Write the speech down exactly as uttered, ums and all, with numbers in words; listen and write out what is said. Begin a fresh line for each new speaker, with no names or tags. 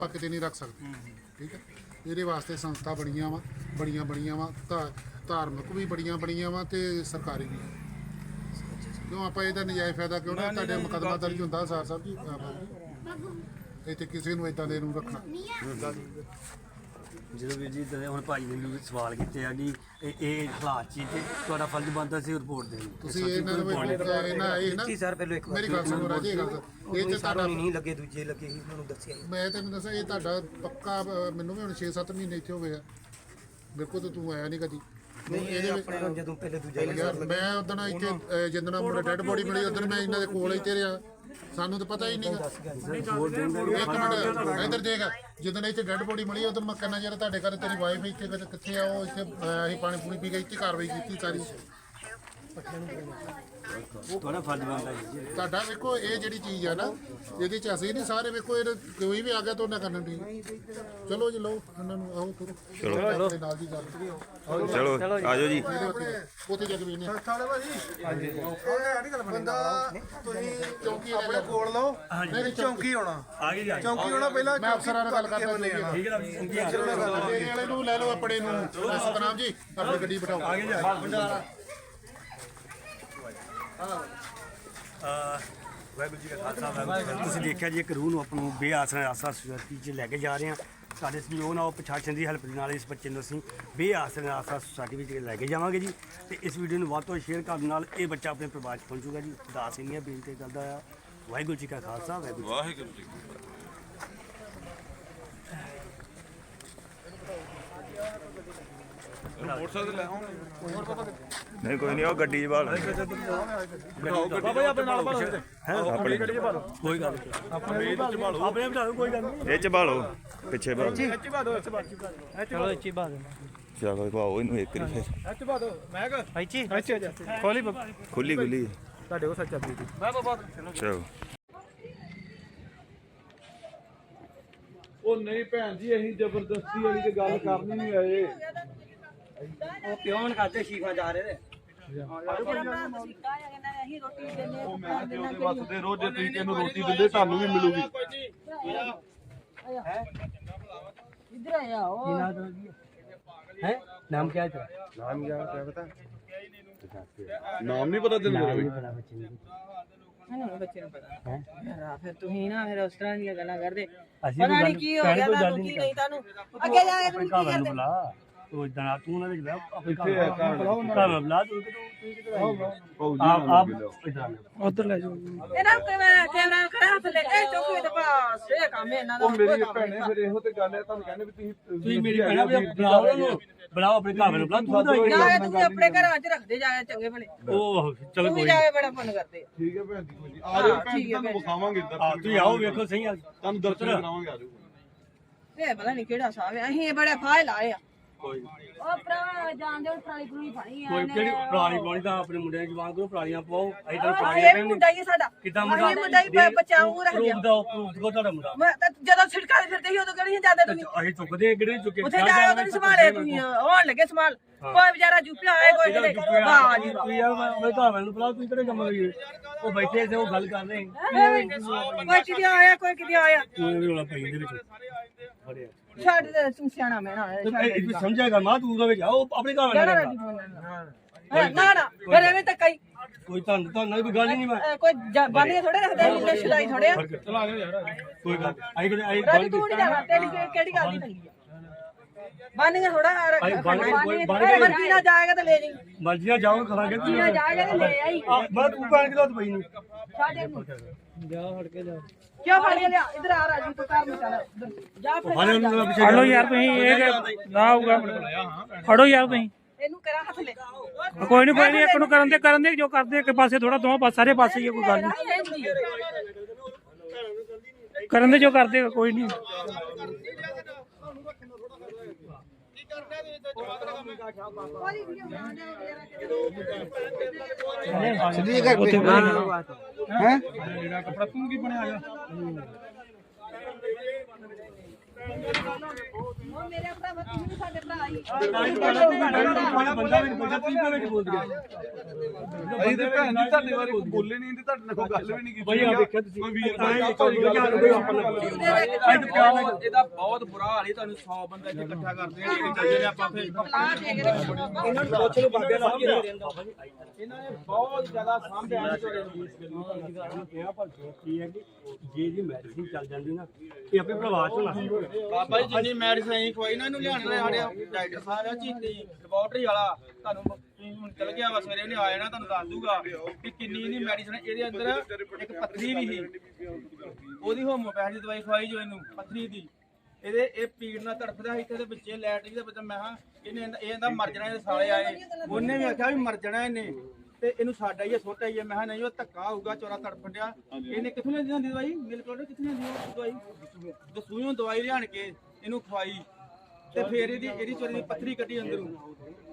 किते नहीं रख सकते। ठीक है, ये वास्ते संस्था बड़िया वा बड़िया बड़िया वा धार्मिक भी बड़िया बड़िया वा ते सरकारी भी। क्यों आप इहदा नजायज़ फायदा क्यों ना तुहाडे मुकदमा दर्ज हुंदा सार साहब जी इत्थे किसी नूं इदां दे नूं रखना।
ਜਦੋਂ ਵੀਰ ਜੀ ਹੁਣ ਭਾਈ ਨੇ ਮੈਨੂੰ ਸਵਾਲ ਕੀਤੇ ਆ ਕਿ ਇਹ ਇਹ ਹਾਲਾਤ ਚੀਜ਼ ਤੇ ਤੁਹਾਡਾ ਫਰਜ਼ ਬਣਦਾ ਸੀ ਰਿਪੋਰਟ ਦੇਣੀ।
ਤੁਸੀਂ ਇਹਨਾਂ ਨੂੰ ਇਹਨਾਂ ਇਹ ਨਾ
ਸਰ ਪਹਿਲਾਂ ਇੱਕ
ਮੇਰੀ ਗੱਲ ਸੁਣੋ ਰਾਜੇ, ਗੱਲ ਇਹ ਤੇ ਤੁਹਾਡਾ
ਨਹੀਂ ਲੱਗੇ ਦੂਜੇ ਲੱਗੇ ਸੀ ਮੈਨੂੰ ਦੱਸਿਆ।
ਮੈਂ ਤੈਨੂੰ ਦੱਸਾਂ ਇਹ ਤੁਹਾਡਾ ਪੱਕਾ ਮੈਨੂੰ ਵੀ ਹੁਣ ਛੇ ਸੱਤ ਮਹੀਨੇ ਇੱਥੇ ਹੋ ਗਏ ਆ ਮੇਰੇ ਕੋਲ, ਤਾਂ ਤੂੰ ਆਇਆ ਨਹੀਂ ਕਦੀ।
ਇਹਦੇ ਆਪਣੇ ਜਦੋਂ ਪਹਿਲੇ ਦੂਜਾ
ਯਾਰ ਮੈਂ ਉਦੋਂ ਇੱਥੇ ਜਿੱਦਣ ਮੁੰਡਾ ਡੈਡ ਬੋਡੀ ਮਿਲੀ ਉਦੋਂ ਮੈਂ ਇਹਨਾਂ ਦੇ ਕੋਲ ਇੱਥੇ ਰਿਹਾ, ਸਾਨੂੰ ਤਾਂ ਪਤਾ ਹੀ ਨਹੀਂ। ਇੱਕ ਮਿੰਟ ਇੱਧਰ ਦੇਖ, ਜਦੋਂ ਇੱਥੇ ਡੈਡ ਬੋਡੀ ਮਿਲੀ ਉਦੋਂ ਮੈਂ ਕਹਿੰਦਾ ਯਾਰ ਤੁਹਾਡੇ ਘਰ ਤੇਰੀ ਵਾਈਫ ਇੱਥੇ ਕਿੱਥੇ ਆ, ਉਹ ਇੱਥੇ ਅਸੀਂ ਪਾਣੀ ਪੂਣੀ ਪੀ ਕੇ ਇੱਥੇ ਕਾਰਵਾਈ ਕੀਤੀ ਸਾਰੀ।
ਤੁਹਾਡਾ ਫਰਜ਼ ਬਣਦਾ ਜੀ
ਤੁਹਾਡਾ ਵੇਖੋ ਇਹ ਜਿਹੜੀ ਚੀਜ਼ ਆ ਨਾ ਇਹਦੇ ਚ ਅਸੀਂ ਨਹੀਂ ਸਾਰੇ ਵੇਖੋ ਇਹ ਕੋਈ ਵੀ ਆ ਗਿਆ ਤਾਂ ਉਹਨਾਂ ਕਰਨਾ ਠੀਕ। ਚਲੋ ਜੀ ਲਓ ਉਹਨਾਂ ਨੂੰ ਆਓ ਕਰੋ ਚਲੋ ਨਾਲ ਦੀ ਗੱਲ
ਚਲੋ ਆਜੋ ਜੀ
ਉੱਥੇ ਜਾ ਕੇ ਵੇਖਨੇ
ਥਾਲੇ ਭਾਜੀ ਹਾਂਜੀ ਉਹ ਹੈ ਨਹੀਂ ਗੱਲ ਬੰਦਾ ਤੁਸੀਂ ਚੌਂਕੀ ਆਪਣੇ ਕੋਲ ਲਓ ਨਹੀਂ ਚੌਂਕੀ ਆਉਣਾ
ਆ ਗਏ ਜੀ
ਚੌਂਕੀ ਆਉਣਾ ਪਹਿਲਾਂ
ਮੈਂ ਅਫਸਰਾਂ ਨਾਲ ਗੱਲ ਕਰਦਾ
ਠੀਕ ਹੈ
ਜੀ ਵਾਲੇ ਨੂੰ ਲੈ ਲਓ ਆਪਣੇ ਨੂੰ ਸਤਨਾਮ ਜੀ ਆਪਣੀ ਗੱਡੀ ਬਿਠਾਓ
ਆ ਗਏ ਜੀ ਵਾਹਿਗੁਰੂ ਜੀ ਕਾ ਖਾਲਸਾ ਵਾਹਿਗੁਰੂ ਜੀ ਕੀ ਫਤਿਹ। ਤੁਸੀਂ ਦੇਖਿਆ ਜੀ ਇੱਕ ਰੂਹ ਨੂੰ ਆਪਾਂ ਨੂੰ ਬੇਆਸਰਾ ਆਸਰਾ ਸੁਸਾਇਟੀ 'ਚ ਲੈ ਕੇ ਜਾ ਰਹੇ ਹਾਂ। ਸਾਡੇ ਸਹਿਯੋਗ ਨਾਲ ਪ੍ਰਸ਼ਾਸਨ ਦੀ ਹੈਲਪ ਦੇ ਨਾਲ ਇਸ ਬੱਚੇ ਨੂੰ ਅਸੀਂ ਬੇਆਸਰਾ ਆਸਰਾ ਸੁਸਾਇਟੀ ਵਿੱਚ ਲੈ ਕੇ ਜਾਵਾਂਗੇ ਜੀ। ਤੇ ਇਸ ਵੀਡੀਓ ਨੂੰ ਵੱਧ ਤੋਂ ਸ਼ੇਅਰ ਕਰਨ ਨਾਲ ਇਹ ਬੱਚਾ ਆਪਣੇ ਪਰਿਵਾਰ 'ਚ ਪਹੁੰਚੂਗਾ ਜੀ। ਦਾਸ ਇੰਨੀਆਂ ਬੇਨਤੀ ਕਰਦਾ ਆ। ਵਾਹਿਗੁਰੂ ਜੀ ਕਾ ਖਾਲਸਾ ਵਾਹਿਗੁਰੂ
ਵਾਹਿਗੁਰੂ ਜੀ ਮੋਟਰਸਾਈਕਲ ਲੈ ਆਉਂ ਨਹੀਂ ਕੋਈ ਨਹੀਂ ਉਹ ਗੱਡੀ 'ਚ ਬਾਲ
ਬਾਬਾ ਆਪਣੇ ਨਾਲ ਬਾਲੋ ਹੈ ਆਪਣੀ ਗੱਡੀ 'ਚ ਬਾਲੋ ਕੋਈ ਗੱਲ ਨਹੀਂ ਆਪਣੇ ਵਿੱਚ ਬਾਲੋ ਆਪਣੇ ਬਿਠਾ ਦਿਓ ਕੋਈ ਗੱਲ ਨਹੀਂ
ਇਹ 'ਚ ਬਾਲੋ ਪਿੱਛੇ ਬਾਲੋ
ਇਹ 'ਚ ਬਾਲੋ ਇਹ 'ਚ ਬਾਲੋ ਚਲੋ ਇਹ 'ਚ ਬਾਲੋ
ਚਲੋ ਭਾਓ ਇਹਨੂੰ ਇੱਕ ਵਾਰੀ ਫਿਰ
ਇਹ 'ਚ ਬਾਲੋ ਮੈਂ ਕਹ ਇਹ 'ਚ ਇਹ 'ਚ ਖੋਲੀ
ਖੁੱਲੀ ਖੁੱਲੀ
ਤੁਹਾਡੇ ਕੋਲ ਸੱਚਾ ਬੀਤੀ ਮੈਂ ਬਾਬਾ
ਚਲੋ
ਉਹ ਨਹੀਂ ਭੈਣ ਜੀ ਅਸੀਂ ਜ਼ਬਰਦਸਤੀ ਵਾਲੀ ਤੇ ਗੱਲ ਕਰਨੀ ਨਹੀਂ ਆਏ।
ਉਹ ਕਿਉਂ ਨਾ ਕਰਦੇ ਸ਼ੀਫਾ ਜਾ ਰਹੇ ਨੇ
ਉਹ ਮੈਂ ਤੇ ਉਹਦੇ ਵਾਸਤੇ ਰੋਜ਼ ਜੇ ਤੁਸੀਂ ਇਹਨੂੰ ਰੋਟੀ ਦਿੰਦੇ ਤੁਹਾਨੂੰ ਵੀ ਮਿਲੂਗੀ।
इधर आया ओ
ਹੈ ਨਾਮ ਕੀ ਹੈ ਤੇਰਾ
ਨਾਮ ਕੀ ਹੈ ਪਤਾ? ਨਾਮ ਨਹੀਂ ਪਤਾ ਤੈਨੂੰ ਮੇਰਾ ਵੀ?
नहीं बच्चे ने पता यार फिर तू ही ना फिर उस तरह दी गल्ला कर दे
ਅਸੀਂ
पता नहीं की हो गया था तू की नहीं तानू आगे जाके तू की कर दे
ਤੂੰ ਇਦਾਂ ਨਾ ਤੂੰ ਉਹਨਾਂ ਦੇ ਬੁਲਾ ਆਪਣੇ
ਕਿੱਥੇ ਹੈ ਘਰ?
ਘਰ ਬੁਲਾ ਤੂੰ ਕਿਤੋਂ
ਭਾਊ ਜੀ
ਆਪ
ਨਾਲ
ਆਪ
ਮਿਲੋ।
ਇਦਾਂ
उधर ले जाओ एना कैमरा कैमरा करा ले ए चौकी दे पास ये काम है ना
ਉਹ ਮੇਰੀ ਭੈਣੇ ਫਿਰ ਇਹੋ ਤੇ ਗੱਲ ਹੈ ਤੁਹਾਨੂੰ ਕਹਿੰਦੇ ਵੀ ਤੁਸੀਂ
ਤੁਸੀਂ ਮੇਰੀ ਭੈਣਾ ਬੁਲਾਓ ਉਹਨੂੰ ਬੁਲਾਓ ਆਪਣੇ ਘਰ ਨੂੰ ਬੁਲਾ ਤੂੰ ਤਾਂ
जाके तू अपने घर च रख दे जाके चंगे भले
ਉਹ ਚਲੋ
तू
ਕੋਈ
भी जाके बड़ा फोन कर दे
ਠੀਕ ਹੈ ਭੈਣ ਜੀ ਕੋਈ ਨਹੀਂ ਆ ਜਾਓ ਭੈਣ ਜੀ ਤੁਹਾਨੂੰ ਵਿਖਾਵਾਂਗੇ ਇੱਧਰ
ਆ ਤੁਸੀਂ ਆਓ ਵੇਖੋ ਸਹੀ ਆ
ਤੁਹਾਨੂੰ ਦਰਸ਼ਨ ਕਰਾਵਾਂਗੇ ਆ ਜਾਓ।
ये पता नहीं केड़ा साहब है अहीं बड़े फाइल आए
ਕੋਈ
ओ भरा जान दे पराली पुराली पानी
ਕੋਈ ਕਿਹੜੀ ਪੁਰਾਣੀ ਪਾਣੀ ਤਾਂ ਆਪਣੇ ਮੁੰਡਿਆਂ ਦੀ ਜਵਾਨ ਕਰੋ ਪੁਰਾਣੀਆਂ ਪਾਓ ਅਸੀਂ ਤਾਂ
है
ਪੁਰਾਣੀਆਂ
ये
ਕਹਿੰਦੇ
मुंडा ही साडा
ਕਿੱਦਾਂ ਮੁੰਡਾ
ये मुंडा ही बचाऊ रख दिया
ਪ੍ਰੂਫ ਦਾ ਪ੍ਰੂਫ ਕੋ ਤੁਹਾਡਾ ਮੁੰਡਾ
मैं ਜਦੋਂ ਛਿੜਕਾ ਫਿਰਦੇ ਸੀ ਉਦੋਂ ਕਿਹੜੀਆਂ ਜਾਂਦੇ ਤੁਸੀਂ
ਅਸੀਂ ਚੁੱਕਦੇ ਕਿਹੜੇ ਚੁੱਕੇ
ਉੱਥੇ ਜਾ ਕੇ ਨਹੀਂ ਸੰਭਾਲੇ ਤੁਸੀਂ ਹੋਣ ਲੱਗੇ ਸੰਭਾਲ ਕੋਈ ਵਿਚਾਰਾ ਜੁਪਿਆ ਆਏ ਕੋਈ ਕਿਤੇ ਵਾਹ ਜੀ
ਤੂੰ ਯਾਰ ਮੈਂ ਮੈਂ ਘਰ ਵਾਲੇ ਨੂੰ ਬੁਲਾ ਤੂੰ ਕਿਹੜੇ ਕੰਮ ਲੱਗੀ ਉਹ ਬੈਠੇ ਸੀ ਉਹ ਗੱਲ ਕਰ ਰਹੇ
ਕੋਈ ਕਿਤੇ ਆਇਆ ਕੋਈ ਕਿਤੇ ਆਇਆ
ਤੂੰ ਵੀ ਰੋਲਾ ਪਈ ਦੇ ਵਿੱਚ ਬੜਿਆ
ਛੱਡ ਦੇ ਤੂੰ ਸਿਆਣਾ ਮੈਂ ਨਾ
ਇਹ ਤੂੰ ਸਮਝੇਗਾ ਮਾਂ ਤੂੰ ਉਹਦੇ ਵਿੱਚ ਆਓ ਆਪਣੇ ਘਰ ਵਾਲੇ ਨਾਲ
ਨਾ ਨਾ ਫਿਰ ਐਵੇਂ ਤਾਂ ਕਈ
ਕੋਈ ਤੁਹਾਨੂੰ ਤੁਹਾਨੂੰ ਕੋਈ ਗੱਲ ਹੀ ਨਹੀਂ ਮੈਂ
ਕੋਈ ਬਾਲੀਆਂ ਥੋੜੇ ਰੱਖਦੇ ਨੀਲੇ ਸਿਲਾਈ ਥੋੜੇ ਆ
ਚਲਾ ਲਿਓ ਯਾਰ ਕੋਈ ਗੱਲ ਆਈ ਕਿਤੇ ਆਈ
ਰਾਜੀ ਤੂੰ ਨਹੀਂ ਜਾਣਾ ਤੇਰੀ ਕਿਹੜੀ ਗੱਲ ਦੀ ਤੰਗੀ ਆ ਬਾਨੀਆਂ ਥੋੜਾ ਮਰਜ਼ੀ ਨਾਲ ਜਾਏਗਾ ਤਾਂ ਲੈ ਜੀ
ਮਰਜ਼ੀ ਨਾਲ ਜਾਓ ਕਰਾਂਗੇ
ਮਰਜ਼ੀ ਨਾਲ ਜਾਏਗਾ ਤਾਂ ਲੈ ਆਈ
ਮੈਂ ਤੂੰ ਪੈਣ ਕਿਦੋਂ ਪਈ ਨਹੀਂ
ਸਾਡੇ ਨੂੰ ਜਾ ਫੜ ਕੇ ਜਾ ਕਿਉਂ ਫੜ ਕੇ ਲਿਆ ਇਧਰ ਆ ਰਾਜੀ ਤੂੰ ਕਰ ਮਚਾ ਜਾ ਫਿਰ
ਫੜੋ ਯਾਰ ਤੁਸੀਂ ਇਹ ਨਾ ਆਊਗਾ ਫੜੋ ਯਾਰ ਤੁਸੀਂ
ਇਹਨੂੰ ਕਰਾ ਹੱਥ ਲੈ
ਕੋਈ ਨਹੀਂ ਕੋਈ ਨਹੀਂ ਇੱਕ ਨੂੰ ਕਰਨ ਦੇ ਕਰਨ ਦੇ ਜੋ ਕਰਦੇ ਇੱਕ ਪਾਸੇ ਥੋੜਾ ਦੋਵਾਂ ਪਾਸੇ ਸਾਰੇ ਪਾਸੇ ਹੀ ਕੋਈ ਗੱਲ ਨਹੀਂ ਕਰਨ ਦੇ ਜੋ ਕਰਦੇ ਕੋਈ ਨਹੀਂ
ਮੇਰਾ ਕੱਪੜਾ ਤੂੰ ਕੀ ਬਣਿਆ ਆ
ਮੇਰੇ ਭਰਾ ਤੁਸੀਂ ਵੀ ਸਾਡੇ ਭਰਾ ਹੀ
ਬੰਦਾ ਵੀ ਬੰਦਾ ਤੁਸੀਂ ਕਿਵੇਂ ਬੋਲ ਰਿਹਾ
ਅਸੀਂ ਤੇ ਭੈਣ ਜੀ ਤੁਹਾਡੇ ਬਾਰੇ ਕੋਈ ਬੋਲੇ ਨਹੀਂ ਤੇ ਤੁਹਾਡੇ ਨਾਲ ਕੋਈ ਗੱਲ ਵੀ ਨਹੀਂ ਕੀਤੀ
ਬਈ ਆ ਵੇਖਿਆ ਤੁਸੀਂ
ਕੋਈ ਵੀਰ
ਤਾਂ
ਭਾਈ
ਇਹ ਕੋਈ ਗੱਲ ਕੋਈ ਆਪਣਾ
ਇਹਦਾ ਬਹੁਤ ਬੁਰਾ ਹਾਲ ਹੈ ਤੁਹਾਨੂੰ ਸੌ ਬੰਦਾ ਇੱਥੇ ਇਕੱਠਾ ਕਰਦੇ ਆ ਜਿਹੜੇ ਚੱਲਦੇ ਨੇ ਆਪਾਂ ਫਿਰ
ਇਹਨਾਂ ਨੂੰ ਪੁੱਛ ਲਓ ਬਾਬੇ ਨਾਲ ਕੀ ਰਹਿੰਦਾ
ਇਹਨਾਂ ਨੇ ਬਹੁਤ ਜ਼ਿਆਦਾ ਸਾਂਭਿਆ ਨਹੀਂ ਤੁਹਾਡੇ ਨੂੰ
ਕਿਹਾ ਪਰ ਕੀ ਹੈ ਕਿ ਜੇ ਦੀ ਮੈਡੀਸਿਨ ਚੱਲ ਜਾਂਦੀ ਨਾ ਇਹ ਆਪਣੇ ਪ੍ਰਵਾਸ ਹੋਣਾ ਸੀ
ਬਾਬਾ ਜੀ ਜਿੰਨੀ ਮੈਡੀਸਨ ਅਸੀਂ ਖਵਾਈ ਨਾ ਇਹਨੂੰ ਲਿਆਣ ਵਾਲੇ ਸਾਡੇ ਡਾਕਟਰ ਸਾਹਿਬ ਆ ਚੀਤੀ ਲੈਬੋਰਟਰੀ ਵਾਲਾ ਤੁਹਾਨੂੰ ਤੁਸੀਂ ਹੁਣ ਚਲ ਗਿਆ ਵਾ ਸਵੇਰੇ ਉਹਨੇ ਆ ਜਾਣਾ ਤੁਹਾਨੂੰ ਦੱਸ ਦੂਗਾ ਕਿ ਕਿੰਨੀ ਇਹਦੀ ਮੈਡੀਸਨ ਇਹਦੇ ਅੰਦਰ ਇੱਕ ਪੱਥਰੀ ਵੀ ਸੀ ਉਹਦੀ ਹੋਮੋਪੈਥੀ ਦੀ ਦਵਾਈ ਖਵਾਈ ਜੋ ਇਹਨੂੰ ਪੱਥਰੀ ਦੀ ਇਹਦੇ ਇਹ ਪੀੜ ਨਾਲ ਤੜਫਦਾ ਸੀ ਇੱਥੇ ਦੇ ਬੱਚੇ ਲੈਟਰੀ ਦੇ ਬੱਚਾ ਮੈਂ ਹਾਂ ਇਹਨੇ ਇਹ ਕਹਿੰਦਾ ਮਰ ਜਾਣਾ ਇਹਦੇ ਸਾਲੇ ਆਏ ਉਹਨੇ ਵੀ ਆਖਿਆ ਵੀ ਮਰ ਜਾਣਾ ਇਹਨੇ ਤੇ ਇਹਨੂੰ ਸਾਡਾ ਹੀ ਸੁੱਟ ਆਈ ਹੈ ਮੈਂ ਨਹੀਂ ਉਹ ਧੱਕਾ ਹੋਊਗਾ ਚੋਰਾ ਤੜਫਣ ਡਿਆ ਇਹਨੇ ਕਿੱਥੋਂ ਲੈਂਦੀ ਹੁੰਦੀ ਦਵਾਈ ਮਿਲ ਕੋਲ ਕਿੱਥੋਂ ਲੈਂਦੀ ਉਹ ਦਵਾਈ ਦਸੂਈਓਂ ਦਵਾਈ ਲਿਆਣ ਕੇ ਇਹਨੂੰ ਖਵਾਈ ਤੇ ਫੇਰ ਇਹਦੀ ਇਹਦੀ ਚੋਰੀ ਦੀ ਪੱਥਰੀ ਕੱਢੀ ਅੰਦਰੋਂ